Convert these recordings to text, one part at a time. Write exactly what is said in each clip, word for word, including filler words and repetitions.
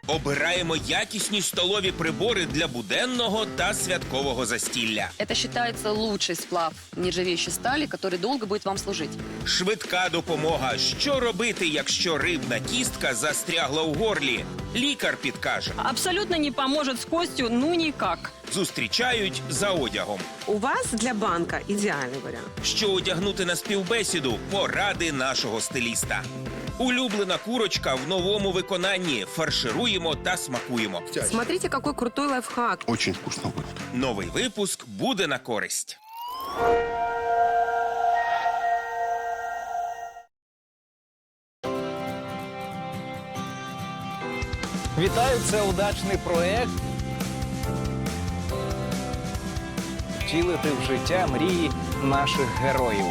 Обираємо якісні столові прибори для буденного та святкового застілля. Это считается лучший сплав нержавеющей стали, который долго будет вам служить. Швидка допомога. Що робити, якщо рибна кістка застрягла у горлі? Лікар підкаже. Абсолютно не поможет с костью, ну никак. Зустрічають за одягом. У вас для банка ідеальний варіант. Що одягнути на співбесіду? Поради нашого стиліста. Улюблена курочка в новому виконанні. Фаршируємо та смакуємо. Смотрите, какой крутой лайфхак. Очень вкусно будет. Новий випуск буде на користь. Вітаю, це удачний проект. Втілити в життя мрії наших героїв.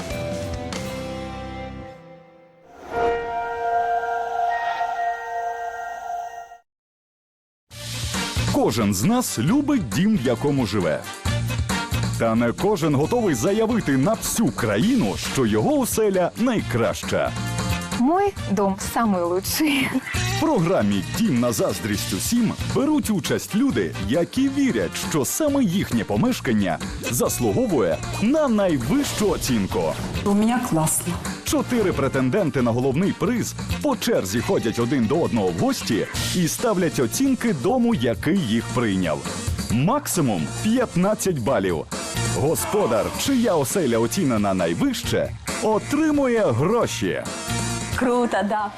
Кожен з нас любить дім, в якому живе. Та не кожен готовий заявити на всю країну, що його оселя найкраща. Мой дом самый лучший. В програмі «Дім на заздрість усім» беруть участь люди, які вірять, що саме їхнє помешкання заслуговує на найвищу оцінку. У меня классно. Чотири претенденти на головний приз по черзі ходять один до одного в гості і ставлять оцінки дому, який їх прийняв. Максимум п'ятнадцять балів. Господар, чия оселя оцінена найвище, отримує гроші. Круто, да.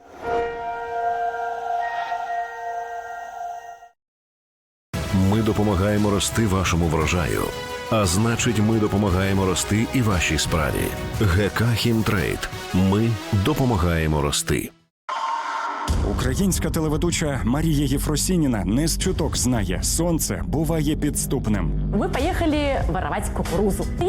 Ми допомагаємо рости вашому врожаю. А значить, ми допомагаємо рости і вашій справі. ГК «Хімтрейд». Ми допомагаємо рости. Українська телеведуча Марія Єфросініна не з чуток знає, сонце буває підступним. Вы поехали воровать кукурузу.